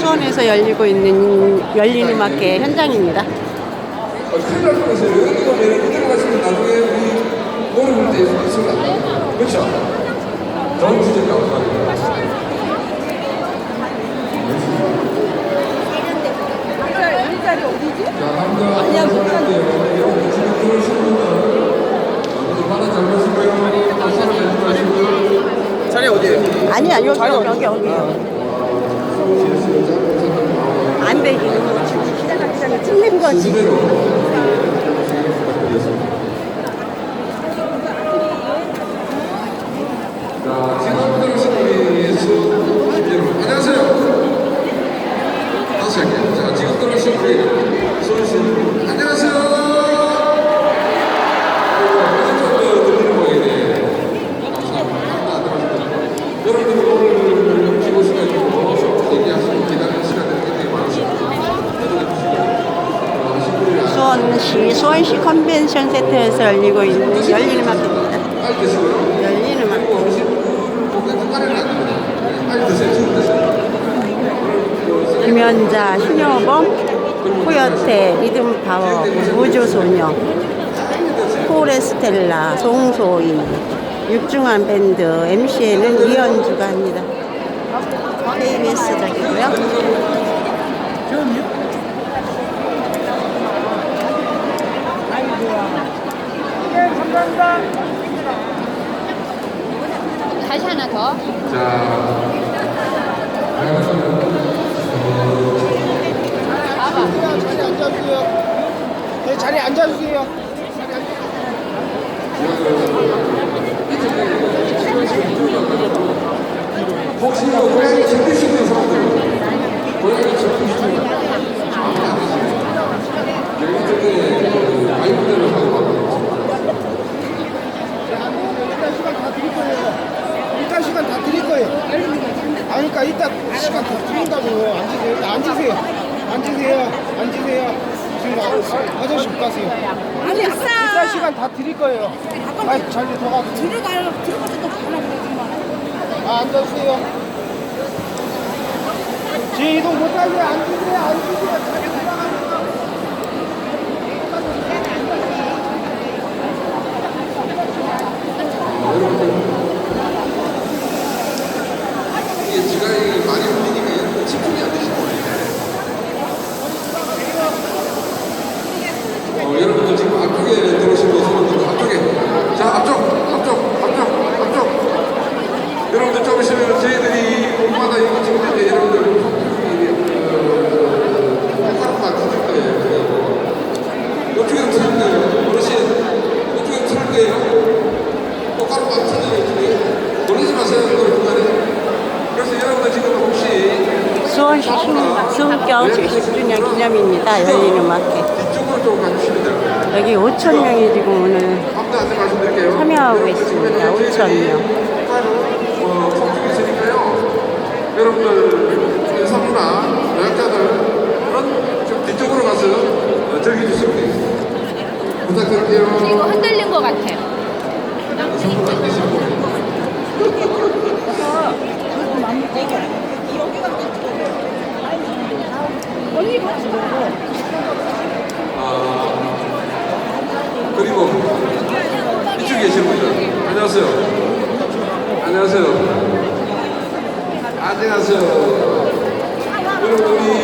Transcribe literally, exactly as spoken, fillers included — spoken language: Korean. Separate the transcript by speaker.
Speaker 1: 수원에서 열리고 있는 열린음악회 현장입니다.
Speaker 2: 어, 큰일 날 뻔했어요. 여기가 내려 이대로 가시면 나중에 우리 노래 부를 때 있습니다. 그렇죠? 너무 진짜 감사합니다.
Speaker 3: 자리 어디지?
Speaker 2: 자, 남자 인사할게요. 여러분 지금 들어오시는 분들 모두 바다 잘 보시고요. 박수로 내지 마시고요.
Speaker 4: 자리 어디에요?
Speaker 1: 아니야, 여기, 여기, 여기, 여기. 안 돼, 이거. 시작하기 전에 찍는 거지.
Speaker 2: 순서대로 자, 지금 들어오신 우리 수 여러분 안녕하세요. 다시 할게요. 자, 지금 들어오신 우리 수원씨 안녕하세요. 들리는 모양이네. 감사합니다. 여러분들 오늘 기고 시간이고 얘기하시고 기다리는 시간들이 굉장히 많으십니다.
Speaker 1: 수원시 수원시 컨벤션 센터에서 열리고 있는 열린음악회입니다.
Speaker 2: 빨리 드시고요.
Speaker 1: 열린음악회.
Speaker 2: 그리고 어르신분 거기에 깔을 놔둡니다. 빨리 드세요. 지금 드세요.
Speaker 1: 김연자, 신여범, 코요태, 리듬파워, 우주소녀, 포레스텔라, 송소희, 육중한 밴드, 엠시에는 이현주가 합니다. 케이비에스적이고요.
Speaker 3: 다시 하나 더.
Speaker 2: 자,
Speaker 4: 자리 앉아주세요. 네, 자리 앉아주세요.
Speaker 2: 혹시 고양이 즐기시는 사람들, 고양이 즐기시는 아무도 안 계시네요. 여기 쪽에 와이프들을 하고 가고
Speaker 4: 이따 시간 다 드릴 거예요. 이따 시간 다 드릴 거예요. 아, 그러니까 이따 시간 다 드린다고. 앉으세요. 일단 앉으세요. 앉으세요. 앉으세요. 지금 아- 아저씨 못 가세요.
Speaker 3: 아니, 아싸.
Speaker 4: 이따 시간 다 드릴 거예요. 아, 자리 더 가세요.
Speaker 3: 들어가요. 들어가서 또 가나 보지
Speaker 4: 아, 앉아주세요. 제 이동 못하게 앉으세요. 앉으세요. 자리 돌아가세요.
Speaker 2: 이게 지각이 많이 울리니까 집중이 안 되시는 거예요. 어, 여러분들 지금 앞쪽에 들어오신 분들 앞쪽에 자 앞쪽 앞쪽 앞쪽 앞쪽 여러분들 좀 있으면 저희들이 온마다 이거 찍을 텐데 여러분들 똑바로만 틀을 거예요. 이쪽에 틀을 거예요. 어르신 이쪽에 틀을 거예요. 똑바로만 틀어요. 이쪽에 놀라지 마세요. 이걸 중간에. 그래서 여러분들 지금 혹시
Speaker 1: 수원시 수교 칠십 주년 기념입니다. 열린음악회.
Speaker 2: 뒤쪽으로 좀 가주시면 돼요.
Speaker 1: 여기 오천 명이 지금 오늘
Speaker 2: 아무도 안 말씀드릴게요.
Speaker 1: 참여하고 있습니다. 오천 명.
Speaker 2: 어, 성중이 있으니까요. 여러분들 인사부나 노약자들은 좀 뒤쪽으로 가서 어, 즐겨주시면 되겠습니다. 부탁드릴게요.
Speaker 3: 이거 흔들린 것 같아요.
Speaker 2: 선물 안 되시고. 아, 그리고 이쪽에 계신 분들 안녕하세요. 안녕하세요. 안녕하세요. 여러분 우리